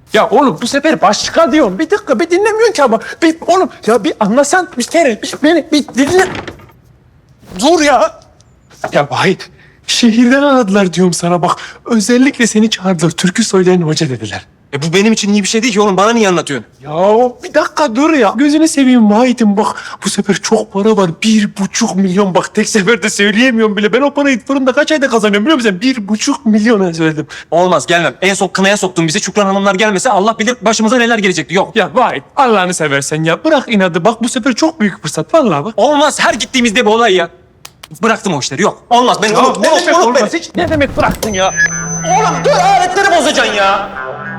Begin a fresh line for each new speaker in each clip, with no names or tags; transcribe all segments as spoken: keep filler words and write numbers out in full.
Ya oğlum bu sefer başka diyorum. Bir dakika bir dinlemiyorsun ki ama. Bir, oğlum ya bir anlasan bir kere bir, beni bir dinle. Dur ya. Ya Vahit şehirden aradılar diyorum sana bak. Özellikle seni çağırdılar. Türkü söyleyen hoca dediler.
E bu benim için iyi bir şey değil ki oğlum. Bana niye anlatıyorsun?
Ya bir dakika dur ya. Gözünü seveyim Vahit'im bak. Bu sefer çok para var. Bir buçuk milyon bak. Tek seferde söyleyemiyorum bile. Ben o parayı fırında kaç ayda kazanıyorum biliyor musun? Bir buçuk milyona söyledim.
Olmaz, gelmem. En son kınaya soktun bizi. Şükran Hanımlar gelmese Allah bilir başımıza neler gelecekti. Yok.
Ya Vahit Allah'ını seversen ya. Bırak inadı bak bu sefer çok büyük fırsat. Vallahi bak.
Olmaz. Her gittiğimizde bir olay ya. Bıraktım o işleri. Yok. Olmaz. Ben
Ya
unut,
ne
unut,
demek
unut
olmaz
beni.
hiç? Ne demek bıraktın ya?
Oğlum dur, aletleri bozacaksın ya.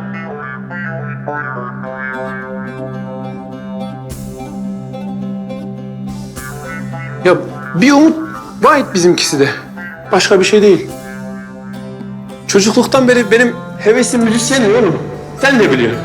Ya bir umut Vahit bizimkisi de. Başka bir şey değil. Çocukluktan beri benim hevesim müzisyen oğlum. Sen de biliyorsun.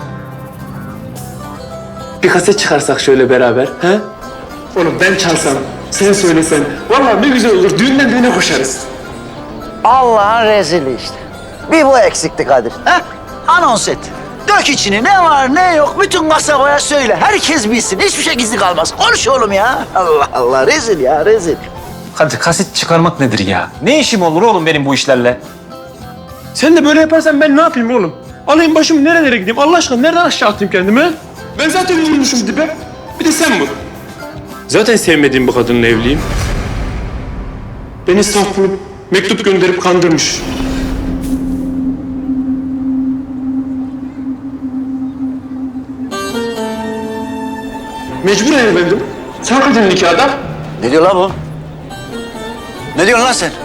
Bir kaset çıkarsak şöyle beraber, he? Oğlum ben çalsam, sen söylesen. Vallahi ne güzel olur. Düğünden düğüne koşarız.
Allah'ın rezili işte. Bir bu eksikti Kadir. Ha? Anons et. Dök içini, ne var ne yok bütün kasabaya söyle. Herkes bilsin, hiçbir şey gizli kalmaz. Konuş oğlum ya. Allah Allah, rezil ya, rezil.
Hadi kaset çıkarmak nedir ya? Ne işim olur oğlum benim bu işlerle?
Sen de böyle yaparsan ben ne yapayım oğlum? Alayım başımı nerelere gideyim? Allah aşkına nereden aşağı atayım kendimi? Ben zaten vurmuşum dibe. Bir de sen vur. Zaten sevmediğim bu kadınla evliyim. Beni saf bulup mektup gönderip kandırmış. Mecburen evlendim. Sen kadın nikahda.
Ne diyor lan bu? Ne diyorsun lan sen?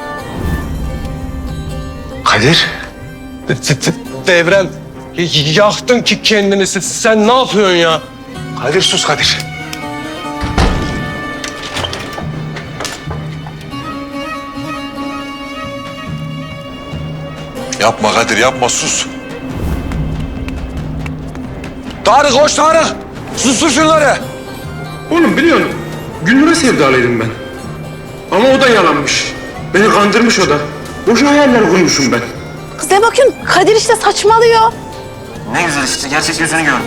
Kadir. Devrem. Yaktın ki kendini. Sen ne yapıyorsun ya? Kadir sus Kadir.
Yapma Kadir yapma sus.
Tarık koş Tarık. Sustur şunları.
Oğlum biliyorsun, Gülnur'a sevdalıydım ben. Ama o da yalanmış. Beni kandırmış o da. Boşa hayaller kurmuşum ben.
Kız ne bakıyorsun? Kadir işte saçmalıyor.
Ne güzel işte. Gerçek yüzünü gör.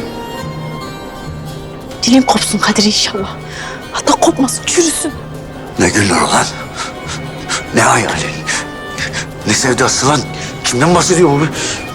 Dilim kopsun Kadir inşallah. Hatta kopmasın, çürüsün.
Ne günler lan? Ne hayali? Ne sevdası lan? Kimden bahsediyor bu?